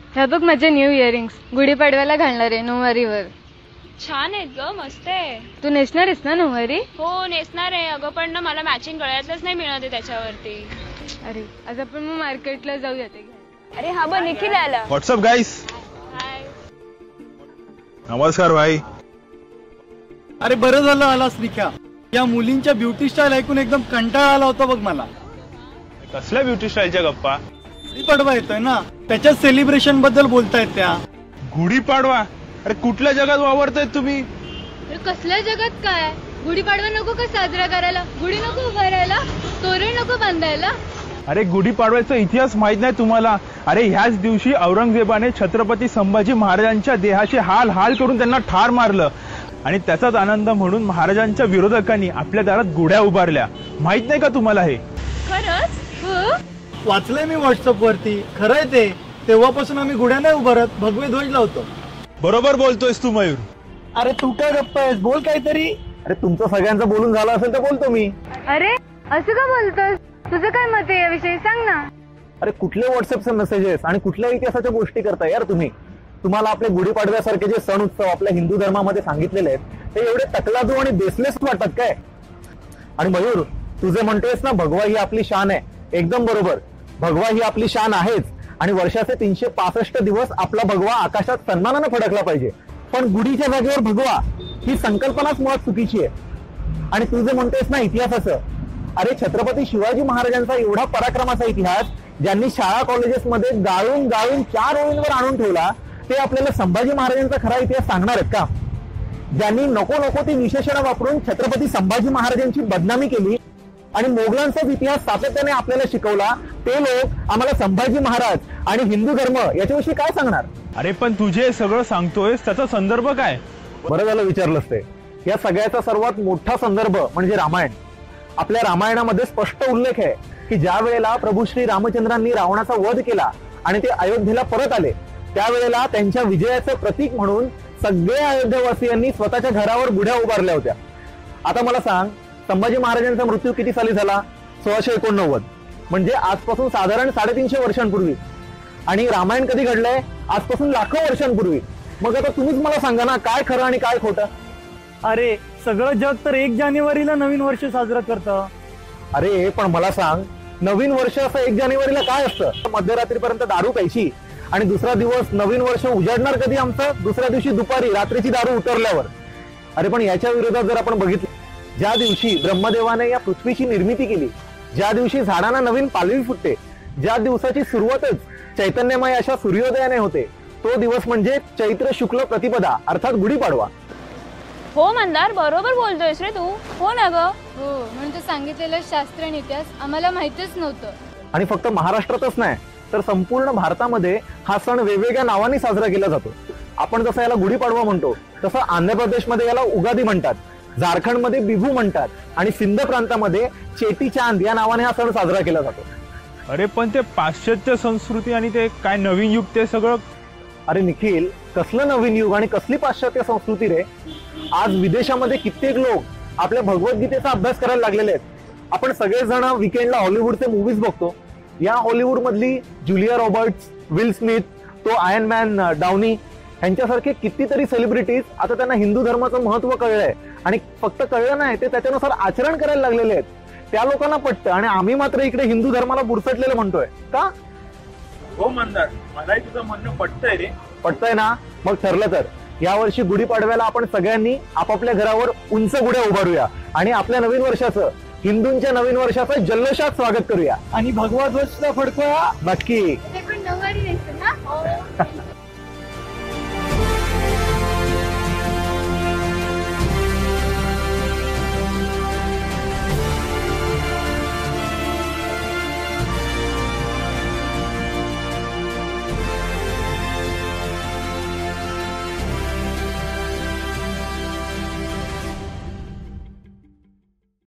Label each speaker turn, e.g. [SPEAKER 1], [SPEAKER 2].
[SPEAKER 1] ह्या बघ माझे न्यू इयरिंग्स गुढीपाडव्याला घालणार आहे नऊवारीवर.
[SPEAKER 2] छान आहेत ग, मस्त आहे.
[SPEAKER 1] तू नेसणार आहेस ना नऊवारी?
[SPEAKER 2] हो नेसणार आहे अगं, पण ना मला मॅचिंग गळ्यातलंच नाही मिळत आहे त्याच्यावरती.
[SPEAKER 1] अरे आज आपण मग मार्केटला जाऊया ते.
[SPEAKER 2] अरे हा बघ निखिल आला.
[SPEAKER 3] What's up guys.
[SPEAKER 2] हाय.
[SPEAKER 3] नमस्कार भाई.
[SPEAKER 4] अरे बरं झालं आलास निख्या. या मुलींच्या ब्युटी स्टाईल ऐकून एकदम कंटाळा आला होता बघ मला.
[SPEAKER 3] कसल्या ब्युटी स्टाईलच्या गप्पा?
[SPEAKER 4] गुढीपाडवा येतोय ना, त्याच्याच सेलिब्रेशन बद्दल बोलतायत त्या.
[SPEAKER 3] गुढीपाडवा? अरे कुठल्या जगात वावरतायत तुम्ही?
[SPEAKER 1] कसल्या जगात काय? गुढीपाडवा नको का साजरा करायला? गुढी नको उभारायला? तोरण नको बांधायला?
[SPEAKER 3] अरे गुढीपाडव्याचा इतिहास माहित नाही तुम्हाला? अरे ह्याच दिवशी औरंगजेबाने छत्रपती संभाजी महाराजांच्या देहाचे हाल हाल करून त्यांना ठार मारलं आणि त्याचाच आनंद म्हणून महाराजांच्या विरोधकांनी आपल्या दारात गुढ्या उभारल्या. माहित नाही का तुम्हाला हे?
[SPEAKER 2] खरंच?
[SPEAKER 1] हो
[SPEAKER 4] वाचलंय मी व्हॉट्सअप वरती. खरंय ते. तेव्हापासून आम्ही गुढ्या नाही उभारत, भगवे ध्वज लावतो.
[SPEAKER 3] बरोबर बोलतोयस तू मयूर.
[SPEAKER 4] अरे तू काय गप्पा आहेस, बोल काहीतरी. अरे तुमचं सगळ्यांचं बोलून झालं असेल तर बोलतो मी.
[SPEAKER 1] अरे असं का बोलतोस? तुझं काय मत आहे याविषयी सांग ना.
[SPEAKER 5] अरे कुठले व्हॉट्सअपचे मेसेजेस आणि कुठल्या इतिहासाच्या गोष्टी करताय यार तुम्ही? तुम्हाला आपले गुढीपाडव्यासारखे जे सण उत्सव आपल्या हिंदू धर्मामध्ये सांगितलेले आहेत ते एवढे तकलादू आणि बेसलेस वाटतात काय? आणि मयूर, तू जे म्हणतोयस ना भगवा ही आपली शान आहे, एकदम बरोबर. भगवा ही आपली शान आहेच आणि वर्षाचे 365 दिवस आपला भगवा आकाशात सन्मानानं फडकला पाहिजे. पण गुढीच्या जागेवर भगवा ही संकल्पनाच मुळात चुकीची आहे. आणि तू जे म्हणतोयस ना इतिहासाचं, अरे छत्रपती शिवाजी महाराजांचा एवढा पराक्रमाचा इतिहास ज्यांनी शाळा कॉलेजेसमध्ये गाळून गाळून 4 ओळींवर आणून ठेवला, ते आपल्याला संभाजी महाराजांचा खरा इतिहास सांगणार आहेत का? ज्यांनी नको नको ती विशेषणं वापरून छत्रपती संभाजी महाराजांची बदनामी केली आणि मोगलांचाच इतिहास सातत्याने आपल्याला शिकवला, ते लोक आम्हाला संभाजी महाराज आणि हिंदू धर्म याच्याविषयी काय सांगणार?
[SPEAKER 3] अरे पण तुझे सगळं सांगतोयस त्याचा संदर्भ काय?
[SPEAKER 5] बरं झालं विचारलंस ते. या सगळ्याचा सर्वात मोठा संदर्भ म्हणजे रामायण. आपल्या रामायणामध्ये स्पष्ट उल्लेख आहे की ज्या वेळेला प्रभू श्री रामचंद्रांनी रावणाचा वध केला आणि ते अयोध्येला परत आले, त्यावेळेला त्यांच्या विजयाचं प्रतीक म्हणून सगळ्या अयोध्यावासियांनी स्वतःच्या घरावर गुढ्या उभारल्या होत्या. आता मला सांग, संभाजी महाराजांचा मृत्यू किती साली झाला? 1689, म्हणजे आजपासून साधारण 350 वर्षांपूर्वी. आणि रामायण कधी घडलंय? आजपासून लाखो वर्षांपूर्वी. मग आता तुम्हीच मला सांगा ना, काय खरं आणि काय खोटं?
[SPEAKER 4] अरे सगळं जग तर 1 जानेवारीला नवीन वर्ष साजरं करतं.
[SPEAKER 5] अरे पण मला सांग, नवीन वर्ष असं 1 जानेवारीला काय असतं? मध्यरात्रीपर्यंत दारू प्यायची आणि दुसरा दिवस नवीन वर्ष उजाडणार कधी आमचं? दुसऱ्या दिवशी दुपारी रात्रीची दारू उतरल्यावर. अरे पण याच्या विरोधात जर आपण बघितलं, ज्या दिवशी ब्रह्मदेवाने या पृथ्वीची निर्मिती केली, ज्या दिवशी झाडांना नवीन पालवी फुटते, ज्या दिवसाची सुरुवातच चैतन्यमय अशा सूर्योदयाने होते, तो दिवस म्हणजे चैत्र शुक्ल प्रतिपदा अर्थात गुढीपाडवा.
[SPEAKER 2] हो मंदार, बरोबर बोलतोयस रे तू. हो ना ग.
[SPEAKER 1] हो, म्हणून तू सांगितलेलं शास्त्र आणि इतिहास आम्हाला माहितीच नव्हतं.
[SPEAKER 5] आणि फक्त महाराष्ट्रातच नाही तर संपूर्ण भारतामध्ये हा सण वेगवेगळ्या नावाने साजरा केला जातो. आपण जसं याला गुढीपाडवा म्हणतो, तसं आंध्र प्रदेशमध्ये याला उगादी म्हणतात, झारखंडमध्ये बिहू म्हणतात आणि सिंध प्रांतामध्ये चेटी चांद या नावाने हा सण साजरा केला जातो.
[SPEAKER 3] अरे पण ते पाश्चात्य संस्कृती आणि ते काय नवीन युग ते सगळं.
[SPEAKER 5] अरे निखिल, कसलं नवीन युग आणि कसली पाश्चात्य संस्कृती रे? आज विदेशामध्ये कित्येक लोक आपल्या भगवद्गीतेचा अभ्यास करायला लागलेले आहेत. आपण सगळेजण विकेंडला हॉलिवूडचे मूव्हीज बघतो. या हॉलिवूड मधली जुलिया रॉबर्ट्स, विल स्मिथ, तो आयर्न मॅन डाउनी यांच्यासारखे कितीतरी सेलिब्रिटीज आता त्यांना हिंदू धर्माचं महत्व कळलंय आणि फक्त कळलं नाही, ते त्याच्यानुसार आचरण करायला लागलेले आहेत. त्या लोकांना पटतं आणि आम्ही मात्र इकडे हिंदू धर्माला बुरसटलेलं म्हणतोय का?
[SPEAKER 3] हो मंदार, मलाही तुझं म्हणणं पटतंय रे.
[SPEAKER 5] पटतंय ना? मग ठरलं तर यावर्षी गुढीपाडव्याला आपण सगळ्यांनी आपापल्या घरावर उंच गुढ्या उभारूया आणि आपल्या नवीन वर्षाचं, हिंदूंच्या नवीन वर्षाचं जल्लोषात स्वागत करूया
[SPEAKER 4] आणि भगवा ध्वज फडकूया.
[SPEAKER 5] नक्की.
[SPEAKER 1] पण नऊवारी